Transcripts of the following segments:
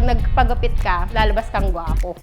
nagpagupit ka, lalabas kang gwapo.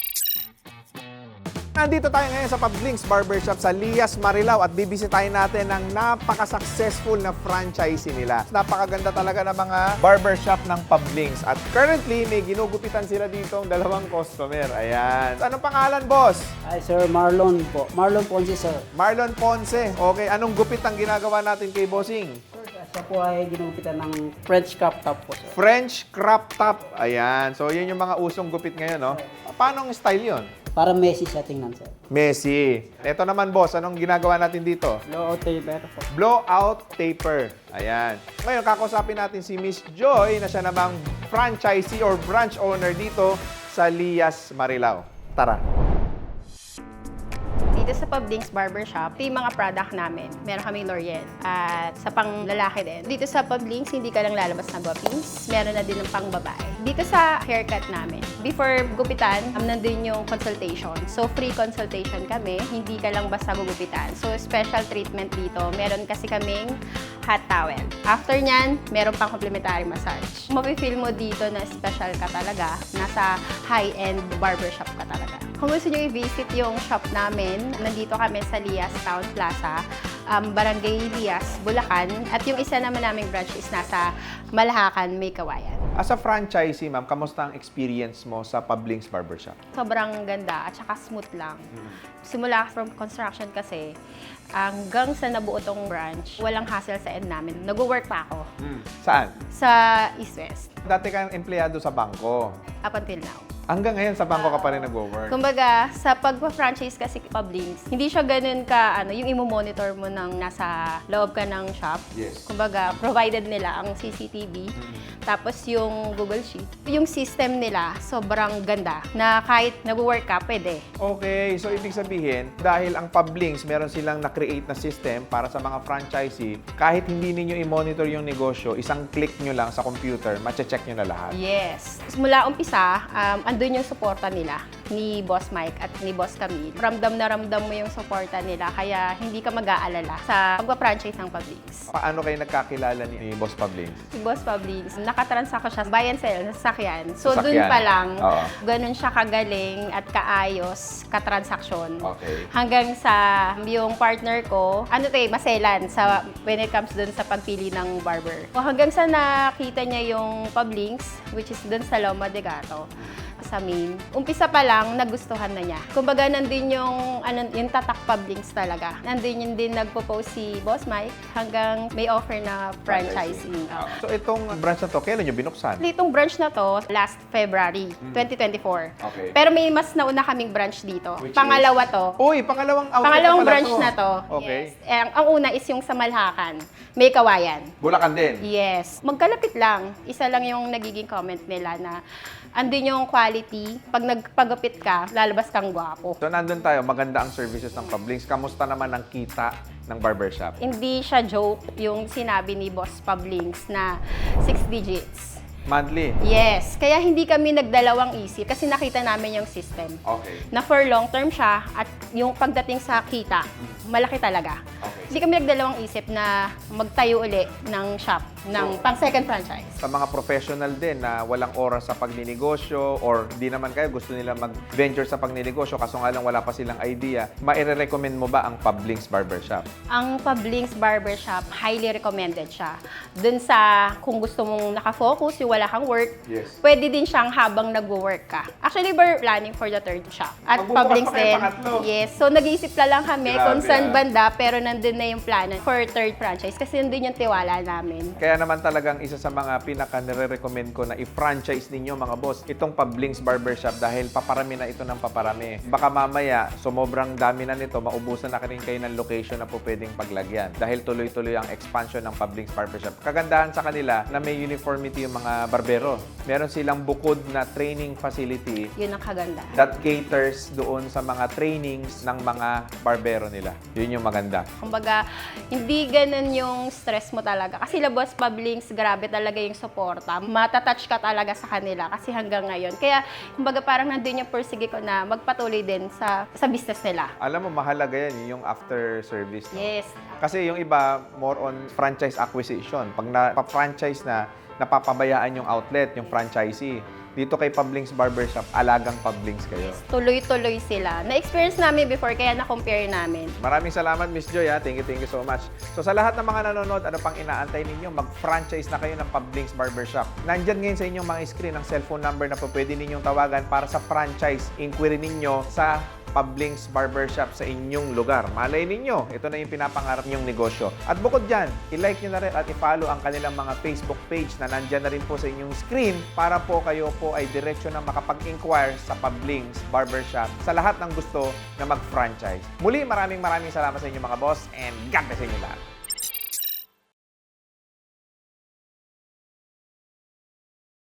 Nandito tayo ngayon sa Pablinks Barbershop sa Lias, Marilao at bibisitahin natin ang napaka-successful na franchisee nila. Napakaganda talaga ng mga barbershop ng Pablinks at currently may ginugupitan sila dito ang dalawang customer. Ayan. Anong pangalan, boss? Hi, Sir Marlon po. Marlon Ponce, sir. Marlon Ponce. Okay, anong gupit ang ginagawa natin kay Bossing? Sir, siya po ay ginugupitan ng French crop top po, sir. French crop top. Ayan. So, yun yung mga usong gupit ngayon, no? Paano ang style yun? Para messy siya tingnan, sir. Messi. Ito naman, boss. Anong ginagawa natin dito? Blowout taper po. Blowout taper. Ayan. Ngayon, kakausapin natin si Miss Joy na siya namang franchisee or branch owner dito sa Lias, Marilao. Tara. Dito sa Pablinks Barbershop, ito yung mga product namin. Meron kami L'Oreal at sa pang lalaki din. Dito sa Pablinks, hindi ka lang lalabas na guwapings. Meron na din ng pang babae. Dito sa haircut namin, before gupitan, nandun yung consultation. So, free consultation kami. Hindi ka lang basta gugupitan. So, special treatment dito. Meron kasi kaming hot towel. After nyan, meron pang complimentary massage. Mapifeel mo dito na special ka talaga. Nasa high-end barbershop ka talaga. Kung gusto nyo i-visit yung shop namin, nandito kami sa Lias Town Plaza, Barangay Lias, Bulacan. At yung isa naman naming branch is nasa Malahacan, May Kawayan. As a franchisee, ma'am, kamusta ang experience mo sa Pablinks Barbershop? Sobrang ganda at saka smooth lang. Simula from construction kasi, hanggang sa nabuo tong branch, walang hassle sa end namin. Nag-work pa ako Saan? sa East West Dati kang empleyado sa bangko. up until now. Hanggang ngayon sa bangko ka pa rin nag-work. Kumbaga, sa pagpa-franchise kasi Pablinks, hindi siya ganun ka, yung imo-monitor mo ng nasa loob ka ng shop. Yes. Kumbaga, provided nila ang CCTV, tapos yung Google Sheet. Yung system nila, sobrang ganda, na kahit nag-work ka, pwede. Okay, so ibig sabihin, dahil ang Pablinks, meron silang na-create na system para sa mga franchisee, kahit hindi ninyo i-monitor yung negosyo, isang click nyo lang sa computer, mache-check nyo na lahat. Yes. Mula umpisa, andun yung suporta nila ni Boss Mike at ni Boss Camille. Ramdam na ramdam mo yung suporta nila, kaya hindi ka mag-aalala sa pagpa-franchise ng Pablinks. Paano kayo nagkakilala ni Boss Pablinks? Si Boss Pablinks, nakatransact ko siya buy and sell sa sasakyan. So, Sasakyan. dun pa lang, Oo. ganun siya kagaling at kaayos, katransaksyon. Okay. Hanggang sa yung partner ko, maselan sa, when it comes dun sa pagpili ng barber. O hanggang sa nakita niya yung Pablinks, which is dun sa Loma de Gato, sa main. Umpisa pa lang, nagustuhan na niya. Kumbaga, nandun yung tatak Pablinks talaga. Nandun yung din nagpo-post si Boss Mike hanggang may offer na franchising. So itong branch na to, kailan nyo binuksan? Itong branch na to, last February 2024. Okay. Pero may mas nauna kaming branch dito. Which Pangalawa to. Uy, pangalawang outlet Pangalawang na pala branch to. na to. Okay. Yes. Ang una is yung sa Malhacan, May Kawayan. Bulacan din. Yes. Magkalapit lang. Isa lang yung nagiging comment nila na andun yung quality. Pag nagpagupit ka, lalabas kang gwapo. So nandun tayo, maganda ang services ng Pablinks. Kamusta naman ang kita ng barbershop? Hindi siya joke yung sinabi ni Boss Pablinks na 6 digits. Monthly? Yes. Kaya hindi kami nagdalawang isip kasi nakita namin yung system. Okay. Na for long term siya at yung pagdating sa kita, malaki talaga. Okay. Hindi kami nagdalawang isip na magtayo uli ng shop, ng pang second franchise. Sa mga professional din na walang oras sa pagninegosyo or di naman kayo gusto nila mag-venture sa pagninegosyo kaso nga lang wala pa silang idea, maire-recommend mo ba ang Pablinks Barbershop? Ang Pablinks Barbershop, highly recommended siya. Dun sa kung gusto mong nakafocus, yung wala kang work, Yes. pwede din siyang habang nag-work ka. Actually, we're planning for the third shop. At Magbubukas Pablinks pa kayo din. pangatlo. Yes. So, nag-iisip na lang kami Grabe, kung saan ah. banda, pero nandun na yung plano for third franchise kasi nandun yung tiwala namin. Kaya naman talagang isa sa mga pinaka nire-recommend ko na i-franchise ninyo mga boss, itong Pablinks Barbershop dahil paparami na ito ng paparami. Baka mamaya, sumobrang dami na nito, maubusan na rin kayo ng location na po pwedeng paglagyan dahil tuloy-tuloy ang expansion ng Pablinks Barbershop. Kagandahan sa kanila na may uniformity yung mga barbero. Meron silang bukod na training facility Yun ang kaganda. that caters doon sa mga trainings ng mga barbero nila. Yun yung maganda. Kumbaga, hindi ganun yung stress mo talaga. Kasi Boss Pablinks, grabe talaga yung suporta. Matatouch ka talaga sa kanila kasi hanggang ngayon. Kaya, kumbaga parang nandun yung persige ko na magpatuloy din sa business nila. Alam mo, mahalaga yan yung after service. No? Yes. Kasi yung iba, more on franchise acquisition. Pag na-franchise na, napapabayaan yung outlet, yung franchisee. dito kay Pablings Barbershop, alagang Pablings kayo. Tuloy-tuloy sila. Na-experience namin before, kaya na-compare namin. Maraming salamat, Miss Joy. Ha? Thank you so much. So sa lahat ng mga nanonood, ano pang inaantay ninyo? Mag-franchise na kayo ng Pablings Barbershop. Nandyan ngayon sa inyong mga screen ang cellphone number na po pwede ninyong tawagan para sa franchise inquiry ninyo sa Pablings Barbershop sa inyong lugar. Malay ninyo, ito na yung pinapangarap ninyong negosyo. At bukod dyan, i-like nyo na rin at i-follow ang kanilang mga Facebook page na nandyan na rin po sa inyong screen para po kayo po ay diretsyo na makapag-inquire sa Pablings Barbershop sa lahat ng gusto na mag-franchise. Muli, maraming salamat sa inyo mga boss and God bless sa inyo lahat.